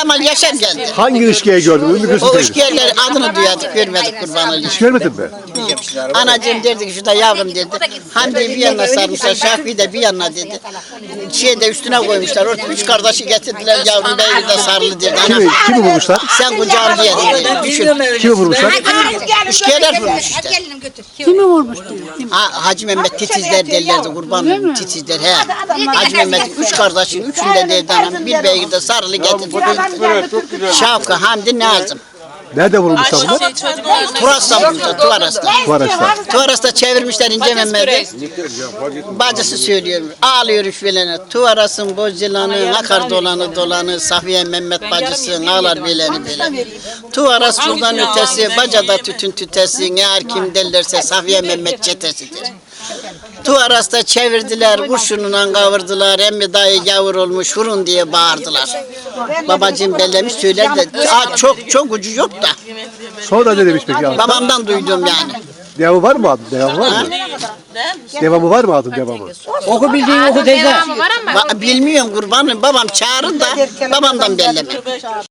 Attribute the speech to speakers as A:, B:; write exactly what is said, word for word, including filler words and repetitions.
A: Kemal Yaşar geldi.
B: Hangi ilişkiye gördün? Ümmü Gülsüm
A: O
B: teyze.
A: ışkiyeleri adını duyardık, görmedik kurban olayım.
B: Hiç görmedin mi?
A: Anacığım derdi ki şurada yavrum dedi. Hamdi'yi bir yanına sarmışlar, Şafi'yi de bir yanına dedi. Şeye de üstüne koymuşlar. Orada üç kardeşi getirdiler yavrum beyi de sarılı dedi. Anam,
B: Kimi, kimi vurmuşlar?
A: sen kucağım diye dedi. Düşün.
B: Kimi vurmuşlar?
A: Üşkiyeler vurmuş işte.
C: Kimi vurmuş diyor? Kim?
A: Ha, Hacı Mehmet titizler derlerdi kurbanım titizler he. Hacı Mehmet üç kardeşin üçünde derdi anam. Bir beyi de sarılı getirdi. Şavka, Hamdi, Nazım.
B: Nerede vurmuşlar bunlar?
A: Turas'ta vurmuşlar, Tuvaras'ta.
B: Tuvareçler.
A: Tuvaras'ta çevirmişler İnce Mehmet'i. Bacısı söylüyor, ağlıyor üfvelene. Tuvaras'ın bozilanı, akar dolanı dolanı, Safiye Mehmet bacısın, ağlar beleni beleni. Tuvaras buradan ötesi, bacada tütün tütesi, ne er kim derlerse Safiye Mehmet çetesidir. Tuvaras'ta çevirdiler, kurşununla kavurdular, emmi dayı yavur olmuş, vurun diye bağırdılar. Babacığım bellemiş söyler de, aa, çok çok ucu yok da.
B: Sonra ne demiş peki?
A: Babamdan duydum yani.
B: Devamı var mı adın? Devamı var mı? Devamı var mı adın devamı?
D: Oku bildiğin oku teyze.
A: Ba- bilmiyorum kurbanım, babam çağırın da babamdan belleme.